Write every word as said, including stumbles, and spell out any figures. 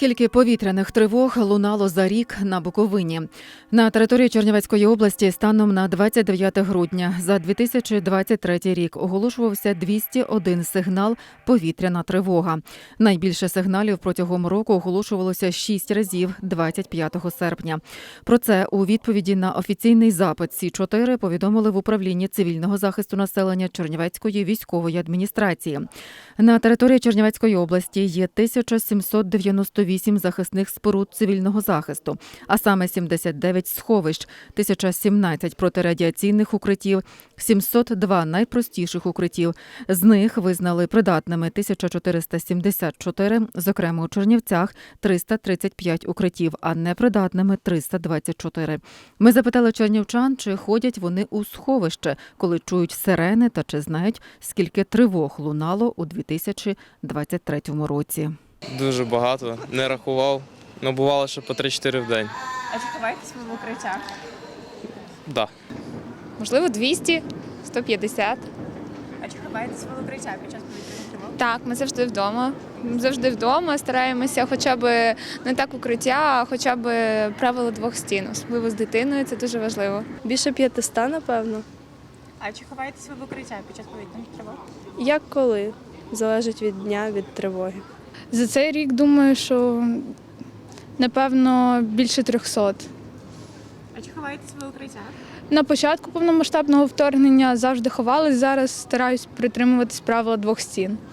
Скільки повітряних тривог лунало за рік на Буковині? На території Чернівецької області станом на двадцять дев'яте грудня за дві тисячі двадцять третій рік оголошувався двісті один сигнал «Повітряна тривога». Найбільше сигналів протягом року оголошувалося шість разів двадцять п'ятого серпня. Про це у відповіді на офіційний запит Сі чотири повідомили в управлінні цивільного захисту населення Чернівецької військової адміністрації. На території Чернівецької області є тисяча сімсот дев'яносто вісім захисних споруд цивільного захисту, а саме сімдесят дев'ять сховищ, тисяча сімнадцять протирадіаційних укриттів, сімсот два найпростіших укриттів. З них визнали придатними тисяча чотириста сімдесят чотири, зокрема у Чернівцях триста тридцять п'ять укриттів, а непридатними триста двадцять чотири. Ми запитали чернівчан, чи ходять вони у сховище, коли чують сирени та чи знають, скільки тривог лунало у дві тисячі двадцять третьому році. Дуже багато, не рахував, але бувало, що по три-чотири в день. А чи ховаєтесь ви в укриттях? Да. Можливо, двісті, сто п'ятдесят. А чи ховаєтесь ви в укриттях під час повітряних тривог? Так, ми завжди вдома. Завжди вдома стараємося хоча б не так укриття, а хоча б правило двох стін. Особливо з дитиною, це дуже важливо. Більше п'ятиста, напевно. А чи ховаєтесь ви в укриттях під час повітряних тривог? Як коли? Залежить від дня, від тривоги. За цей рік, думаю, що, напевно, більше трьохсот. А чи ховаєтесь ви в укриттях? На початку повномасштабного вторгнення завжди ховалась, зараз стараюсь притримуватись правила двох стін.